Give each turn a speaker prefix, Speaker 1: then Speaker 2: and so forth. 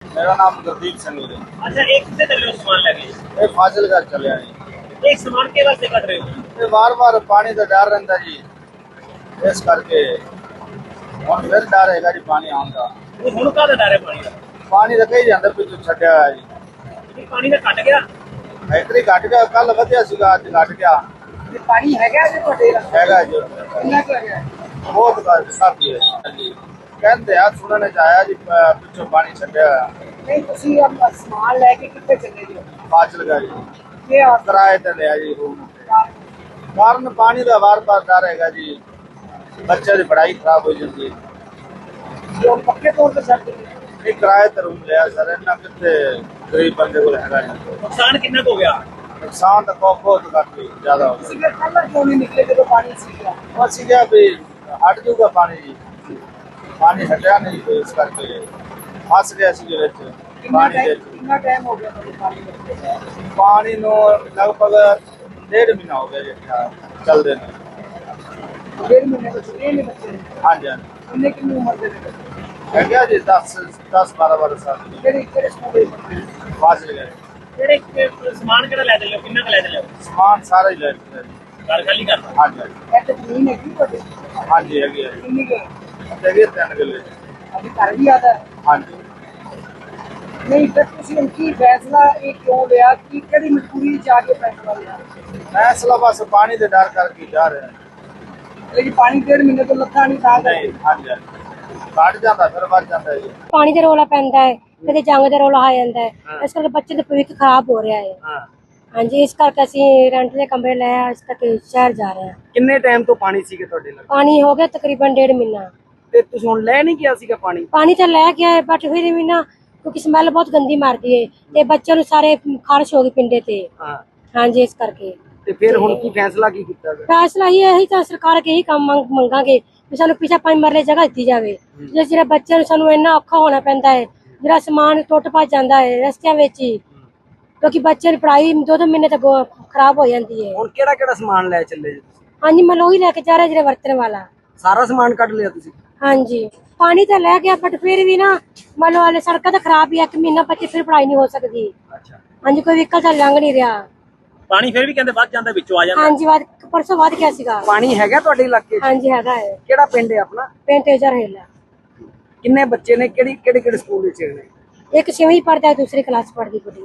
Speaker 1: मेरा नाम गुरदीप सिंह है।
Speaker 2: अच्छा, एक कितने चल रहे हो सामान लगे?
Speaker 1: ये फाजिलगढ़ चले जी।
Speaker 2: एक सामान के वास्ते कट रहे हो?
Speaker 1: ये बार बार पानी का डर रहता जी, इस करके हम फिर डर है जी पानी आने का।
Speaker 2: वो हुण का डर है पानी का?
Speaker 1: पानी तो कई जाता पिछू छड्या है जी।
Speaker 2: ये पानी का कट गया?
Speaker 1: इतनी घट गया, कल वधिया सीगा, अज घट गया
Speaker 2: पानी है क्या जो ਤੁਹਾਡੇ ਦਾ?
Speaker 1: हैगा जी।
Speaker 2: कितना का है?
Speaker 1: बहुत काफी है जी। कहते हैं सुनने च आया जी पिछू पानी छड्या
Speaker 2: नहीं ਤੁਸੀਂ अब सामान लेके कितने चले हो?
Speaker 1: फाजिलगढ़ जी।
Speaker 2: ये
Speaker 1: किराए ते लिया जी रूम। कारण पानी का बार बार डर है जी, बच्चे की पढ़ाई खराब हो जाती है।
Speaker 2: जो पक्के तौर पे छੱਡ ਦਿੱਤੇ।
Speaker 1: ਇਹ ਕਿਰਾਏ ਤੇ ਰੂਮ ਲਿਆ ਸਰ, ਇਹਨਾਂ ਕਿੱਥੇ ਗਰੀਬ ਬੰਦੇ ਕੋਲ ਹੈਗਾ ਜੀ।
Speaker 2: ਨੁਕਸਾਨ ਕਿੰਨਾ ਕੁ ਹੋ ਗਿਆ?
Speaker 1: ਨੁਕਸਾਨ ਤਾਂ ਬਹੁਤ ਕਾਫੀ ਜ਼ਿਆਦਾ ਹੋ ਗਿਆ।
Speaker 2: ਤੁਸੀਂ ਫਿਰ ਪਹਿਲਾਂ ਕਿਉਂ ਨਹੀਂ ਨਿਕਲੇ ਜਦੋਂ ਪਾਣੀ ਸੀਗਾ?
Speaker 1: ਉਹ ਅਸੀਂ ਕਿਹਾ ਵੀ ਹਟ ਜਾਊਗਾ ਪਾਣੀ ਜੀ, ਪਾਣੀ ਹਟਿਆ ਨਹੀਂ ਤੇ ਇਸ ਕਰਕੇ ਫਸ ਗਿਆ ਸੀ ਵਿੱਚ ਪਾਣੀ ਦੇ ਵਿੱਚ।
Speaker 2: ਕਿੰਨਾ ਟਾਈਮ ਹੋ ਗਿਆ ਤੁਹਾਨੂੰ ਪਾਣੀ ਵਿੱਚ?
Speaker 1: ਪਾਣੀ ਨੂੰ ਲਗਭਗ 1.5 ਮਹੀਨਾ ਹੋ ਗਿਆ ਜੀ ਚੱਲਦੇ ਨੇ।
Speaker 2: 1.5 ਮਹੀਨੇ ਤੋਂ ਛੁੱਟੀਆਂ ਨੇ ਬੱਚੇ ਨੇ?
Speaker 1: ਹਾਂਜੀ ਹਾਂਜੀ
Speaker 2: ਕਿੰਨੇ ਕਿੰਨੀ ਉਮਰ ਦੇ ਨੇ ਬੱਚੇ?
Speaker 1: ਹੈਗਾ ਜੀ 10-12 ਸਾਲ ਦੀ।
Speaker 2: ਕਿਹੜੇ ਸਕੂਲ ਦੇ ਬੱਚੇ ਨੇ?
Speaker 1: ਫਾਜ਼ਿਲਗੜ੍ਹ
Speaker 2: ਕਿਹੜੇ ਸਮਾਨ ਕਿਹੜਾ ਲੈ ਚੱਲੇ ਹੋ? ਕਿੰਨਾ ਕੁ ਲੈ ਚੱਲੇ ਹੋ?
Speaker 1: ਸਮਾਨ ਸਾਰਾ ਹੀ ਲੈ ਲਿਆ ਜੀ।
Speaker 2: ਘਰ ਖਾਲੀ ਕਰਨਾ?
Speaker 1: ਹਾਂਜੀ ਹਾਂਜੀ
Speaker 2: ਇੱਥੇ ਜ਼ਮੀਨ ਹੈਗੀ ਤੁਹਾਡੇ?
Speaker 1: ਹਾਂਜੀ ਹੈਗੀ ਹੈ
Speaker 2: ਕਿੰਨੀ ਕੁ?
Speaker 1: ਹੈਗੀ 3 ਕਿੱਲੇ।
Speaker 2: ਅਭੀ ਘਰ ਵੀ ਆਦਾ ਹੈ?
Speaker 1: ਹਾਂਜੀ
Speaker 2: ਨਹੀਂ ਫਿਰ ਤੁਸੀਂ ਹੁਣ ਕੀ ਫੈਸਲਾ ਇਹ ਕਿਉਂ ਲਿਆ ਕਿ ਕਿਹੜੀ ਮਜਬੂਰੀ ਚ ਆ ਕੇ ਫੈਸਲਾ ਲਿਆ?
Speaker 1: ਫੈਸਲਾ ਬਸ ਪਾਣੀ ਦੇ ਡਰ ਕਰਕੇ ਜਾ ਰਿਹਾ।
Speaker 2: ਇਹ ਜੀ ਪਾਣੀ 1.5 ਮਹੀਨੇ ਤੋਂ ਲੱਥਾ ਨਹੀਂ ਤਾਂ
Speaker 1: ਨਹੀਂ ਹਾਂਜੀ ਹਾਂਜੀ ਘਟ ਜਾਂਦਾ ਫਿਰ ਵੱਧ ਜਾਂਦਾ ਜੀ।
Speaker 3: ਪਾਣੀ ਦਾ ਰੌਲਾ ਪੈਂਦਾ ਹੈ, ਕਦੇ ਜੰਗ ਦਾ ਰੌਲਾ ਆ ਜਾਂਦਾ ਹੈ, ਇਸ ਕਰਕੇ ਬੱਚੇ ਦਾ ਭਵਿੱਖ ਖਰਾਬ ਹੋ ਰਿਹਾ ਹੈ।
Speaker 2: ਹਾਂ।
Speaker 3: ਹਾਂਜੀ, ਇਸ ਕਰਕੇ ਅਸੀਂ ਰੈਂਟ ਦੇ ਕਮਰੇ ਲਿਆ, ਇਸ ਕਰਕੇ ਸ਼ਹਿਰ ਜਾ ਰਹੇ ਹਾਂ।
Speaker 2: ਕਿੰਨੇ ਟਾਈਮ ਤੋਂ ਪਾਣੀ ਸੀਗੇ ਤੁਹਾਡੇ ਨਾਲ?
Speaker 3: ਪਾਣੀ ਹੋ ਗਿਆ ਤਕਰੀਬਨ 1.5 ਮਹੀਨਾ।
Speaker 2: ਤੇ ਤੁਸੀਂ ਹੁਣ ਲੈ ਨਹੀਂ ਗਿਆ ਸੀਗਾ ਪਾਣੀ?
Speaker 3: ਪਾਣੀ ਤਾਂ ਲੈ ਕੇ ਆਏ ਬਟ ਫਿਰ ਵੀ ਨਾ, ਕਿਉਂਕਿ ਸਮੈਲ ਬਹੁਤ ਗੰਦੀ ਮਾਰਦੀ ਹੈ ਤੇ ਬੱਚਿਆਂ ਨੂੰ ਸਾਰੇ ਖਾਰਸ਼ ਹੋ ਗਈ ਪਿੰਡੇ ਤੇ।
Speaker 2: ਹਾਂ।
Speaker 3: ਹਾਂਜੀ, ਇਸ ਕਰਕੇ
Speaker 2: ਤੇ ਫਿਰ ਹੁਣ ਕੀ ਫੈਸਲਾ ਕੀ ਕੀਤਾ?
Speaker 3: ਫੈਸਲਾ ਇਹੀ ਤਾਂ ਸਰਕਾਰ ਅੱਗੇ ਇਹੀ ਕੰਮ ਮੰਗਾਂਗੇ ਵੀ ਸਾਨੂੰ ਪਿੱਛੇ 5 ਮਰਲੇ ਜਗ੍ਹਾ ਦਿੱਤੀ ਜਾਵੇ। ਜਿਹੜਾ ਬੱਚਿਆਂ ਨੂੰ ਸਾਨੂੰ ਇੰਨਾ ਔਖਾ ਹੋਣਾ ਪੈਂਦਾ ਹੈ, ਜਿਹੜਾ ਸਮਾਨ ਟੁੱਟ ਭੱਜ ਜਾਂਦਾ ਹੈ ਰਸਤਿਆਂ ਵਿੱਚ ਹੀ, ਕਿਉਂਕਿ ਬੱਚਿਆਂ ਦੀ ਪੜ੍ਹਾਈ 2-2 ਮਹੀਨੇ ਤੱਕ ਖਰਾਬ ਹੋ ਜਾਂਦੀ ਹੈ।
Speaker 2: ਹੁਣ ਕਿਹੜਾ ਕਿਹੜਾ ਸਮਾਨ ਲੈ ਚੱਲੇ ਜੀ ਤੁਸੀਂ?
Speaker 3: ਹਾਂਜੀ, ਮੈਂ ਉਹੀ ਲੈ ਕੇ ਜਾ ਰਿਹਾ ਜਿਹੜਾ ਵਰਤਣ ਵਾਲਾ।
Speaker 2: ਸਾਰਾ ਸਮਾਨ ਕੱਢ ਲਿਆ ਤੁਸੀਂ?
Speaker 3: ਹਾਂਜੀ, ਪਾਣੀ ਤਾਂ ਲੈ ਗਿਆ ਬਟ ਫਿਰ ਵੀ ਨਾ ਮੰਨ ਲਓ ਹਾਲੇ ਸੜਕਾਂ ਤਾਂ ਖਰਾਬ ਹੀ ਆ, 1 ਮਹੀਨਾ ਬੱਚੇ ਫਿਰ ਪੜ੍ਹਾਈ ਨਹੀਂ ਹੋ ਸਕਦੀ।
Speaker 2: ਅੱਛਾ।
Speaker 3: ਹਾਂਜੀ, ਕੋਈ ਵਹੀਕਲ ਤਾਂ ਲੰਘ ਨਹੀਂ ਰਿਹਾ।
Speaker 2: ਪਾਣੀ ਫਿਰ ਵੀ ਕਹਿੰਦੇ ਵੱਧ ਜਾਂਦਾ, ਵਿੱਚੋਂ ਆ ਜਾਂਦਾ?
Speaker 3: ਹਾਂਜੀ, ਪਰਸੋਂ ਵੱਧ ਗਿਆ ਸੀਗਾ।
Speaker 2: ਪਾਣੀ ਹੈਗਾ ਤੁਹਾਡੇ ਇਲਾਕੇ 'ਚ?
Speaker 3: ਹਾਂਜੀ ਹੈਗਾ ਹੈ।
Speaker 2: ਕਿਹੜਾ ਪਿੰਡ ਹੈ ਆਪਣਾ?
Speaker 3: ਪਿੰਡ ਤੇਜਾ ਰਹੇਲਾ।
Speaker 2: ਕਿੰਨੇ ਬੱਚੇ ਨੇ? ਕਿਹੜੇ ਕਿਹੜੇ ਸਕੂਲ ਵਿੱਚ ਨੇ?
Speaker 3: ਇੱਕ 6ਵੀਂ ਪੜ੍ਹਦਾ, ਦੂਸਰੀ ਕਲਾਸ ਪੜ੍ਹਦੀ ਕੁੜੀ।